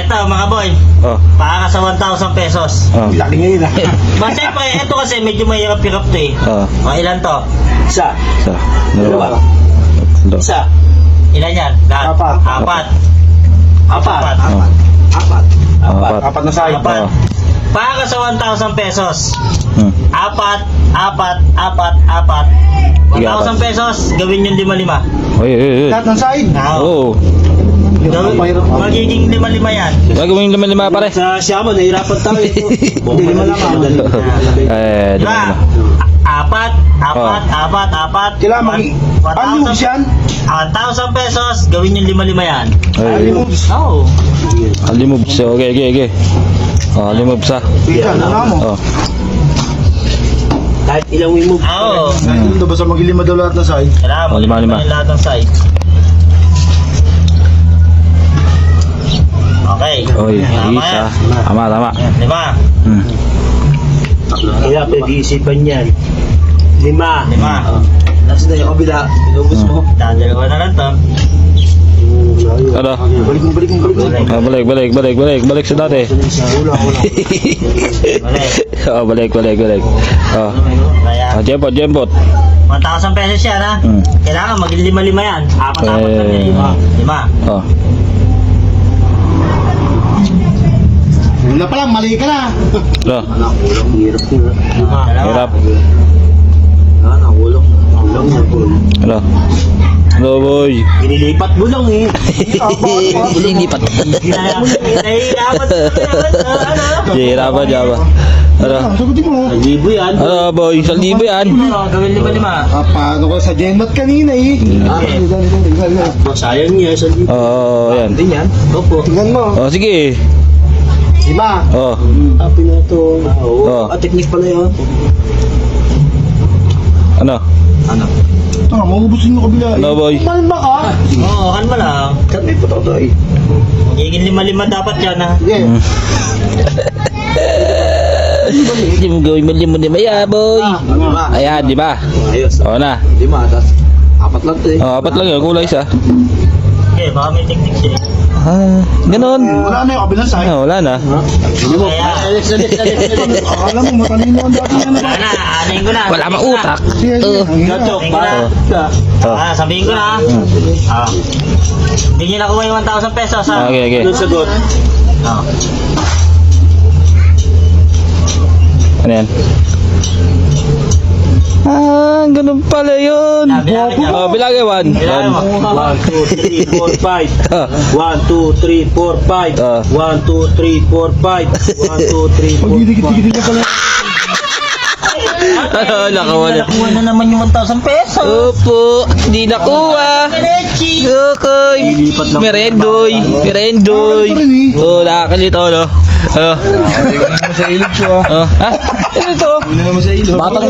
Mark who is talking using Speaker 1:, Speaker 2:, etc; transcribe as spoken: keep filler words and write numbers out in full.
Speaker 1: Ito, mga boy.
Speaker 2: Oh.
Speaker 1: Para sa one thousand pesos.
Speaker 2: Oh.
Speaker 3: Laki ngayon ah.
Speaker 1: Ba, siyempre, ito kasi medyo mahirap-hirap to eh.
Speaker 2: Oh.
Speaker 1: O, ilan to?
Speaker 3: Isa.
Speaker 2: Isa. Dalawa.
Speaker 3: Dalawa.
Speaker 2: Tatlo.
Speaker 3: Isa.
Speaker 1: Ilan yan? Lahat?
Speaker 3: Apat.
Speaker 1: Apat.
Speaker 3: Apat.
Speaker 1: Apat.
Speaker 2: Oh.
Speaker 3: Apat. Apat.
Speaker 2: Apat.
Speaker 3: Apat na sayang.
Speaker 1: Apat.
Speaker 2: Oh.
Speaker 1: Para sa one thousand pesos.
Speaker 2: Hmm.
Speaker 1: Apat, apat, apat, apat. one thousand pesos, gawin yung lima-lima.
Speaker 2: Oy, oy, oy.
Speaker 3: Lahat ng side.
Speaker 2: Oo.
Speaker 1: Oo. Gawin, magiging lima-lima yan.
Speaker 2: Gagawin lima-lima pare.
Speaker 3: Sa Siamo, nahirapan tayo ito. Hindi lima lang ah.
Speaker 2: Eh, di
Speaker 1: Diba?
Speaker 2: ba?
Speaker 1: Apat, apat,
Speaker 2: Oh.
Speaker 1: apat, apat.
Speaker 3: Kailangan mag...
Speaker 1: One
Speaker 3: Ano
Speaker 1: thousand-
Speaker 3: yan?
Speaker 1: one thousand pesos, gawin yung lima-lima yan.
Speaker 2: Ay,
Speaker 1: Oo.
Speaker 2: Ali moves. Okay, okay, okay. Oh, ali moves ah.
Speaker 3: Pika, ano mo?
Speaker 2: Oh.
Speaker 3: Kahit ilang wing move.
Speaker 1: Oo.
Speaker 3: Kahit ito, basta mag-ilima daw lahat ng side.
Speaker 1: Kailangan
Speaker 2: Oh,
Speaker 1: mo
Speaker 2: lima-lima.
Speaker 1: yung lahat ng sides. Okay.
Speaker 2: Oy,
Speaker 1: Tama
Speaker 2: isa.
Speaker 1: yan.
Speaker 2: Tama, tama.
Speaker 1: Yan, lima.
Speaker 2: Hmm.
Speaker 3: Kaya pag-iisipan yan. Lima.
Speaker 1: Lima.
Speaker 3: Nasa na yung kabila. Inubos mo.
Speaker 1: Dadalawa na lang to.
Speaker 2: Ano?
Speaker 3: Balik mo, balik mo, balik mo.
Speaker 2: Ah, balik, balik, balik, balik, balik sa dati.
Speaker 3: Wala, wala.
Speaker 1: Balik.
Speaker 2: Oh, balik, balik, balik. Oh.
Speaker 1: Kaya,
Speaker 2: Ah, jempot, jempot.
Speaker 1: one thousand pesos yan ha.
Speaker 2: Hmm.
Speaker 1: Kailangan maging lima-lima yan. Apat-apat
Speaker 2: Eh.
Speaker 1: lang yan. Lima. Lima.
Speaker 2: Oh.
Speaker 3: Una pa lang, mali ka na.
Speaker 2: Ano?
Speaker 3: Nakulong, hirap na.
Speaker 1: Lima. Dalawa.
Speaker 2: Hirap.
Speaker 3: Ah, nakulong. Nakulong na.
Speaker 2: Ano? Hello, boy.
Speaker 3: Inilipat mo lang eh.
Speaker 2: Lipat.
Speaker 1: Ginaya. Nahihirapan ko naman. Ano?
Speaker 2: Hirapan dyan ba? Ano?
Speaker 3: Sagutin mo. Libo yan.
Speaker 2: Ano, boy? Isang libo yan.
Speaker 1: Ano? Gawin lima-lima.
Speaker 3: Ah, paano ko sa Genmat kanina eh. Ah, sayang niya sa libo.
Speaker 2: Oo, oh, yan.
Speaker 3: Din yan. Opo. Tingnan mo.
Speaker 2: Oh, sige.
Speaker 3: Lima.
Speaker 2: Oh.
Speaker 3: Ah, pinato. Oo.
Speaker 2: Oh.
Speaker 3: Ah, technique pala yun.
Speaker 2: Ano?
Speaker 1: Ano?
Speaker 3: Ah, maubusin mo kabila.
Speaker 2: Ano, boy?
Speaker 3: Malma ka.
Speaker 1: Oo, kan mo lang.
Speaker 3: Kami pa to eh.
Speaker 1: Magiging lima-lima dapat yan ha.
Speaker 3: Yeah.
Speaker 2: Hmm. Hindi mo gawin mo limo lima ya, boy.
Speaker 3: Lima.
Speaker 2: Ayan, di ba?
Speaker 3: Ayos.
Speaker 2: Oo na.
Speaker 3: Lima, tas apat lang to eh.
Speaker 2: Oh, apat lang yun. Kulay isa.
Speaker 1: Okay, baka may technique siya.
Speaker 2: Ah, ganon.
Speaker 3: Wala na yung kabilang side.
Speaker 2: Ah, wala na.
Speaker 3: Hindi mo.
Speaker 1: Kaya-
Speaker 3: Alex, Alex, Alex, Alex. Akala mo, matalino ang dati na
Speaker 1: Wala na, anin ko na.
Speaker 2: Wala mang utak. Oo.
Speaker 3: Gachok,
Speaker 1: Tingnan
Speaker 3: ba?
Speaker 1: na.
Speaker 2: Oh.
Speaker 1: Ah, sabihin ko na ha.
Speaker 2: Hmm.
Speaker 1: Ah. Hindi nyo nakuha yung one thousand pesos ha.
Speaker 2: Okay, okay.
Speaker 3: Ano sagot?
Speaker 1: Ah.
Speaker 2: Ano yan? Ah, ganun pala yun.
Speaker 1: Ah, bilangin niya.
Speaker 2: Oh, bilangin. One.
Speaker 1: Bilangin mo.
Speaker 3: One, two, three, four, five.
Speaker 2: Ah.
Speaker 3: One, two, three, four, five.
Speaker 2: Ah.
Speaker 3: One, two, three, four, five. One, two, three, four, five.
Speaker 2: Ano, nakawala.
Speaker 1: Nakuha na naman yung one thousand pesos.
Speaker 2: Opo, di nakuha.
Speaker 1: Diretsi.
Speaker 2: Yokoy. Merendoy. Merendoy. Oh, nakakalito, no? Ano?
Speaker 3: Sa ilog ko ah.
Speaker 2: Oh, ha? Ano to?
Speaker 3: Hindi naman sa ilog.
Speaker 2: Batang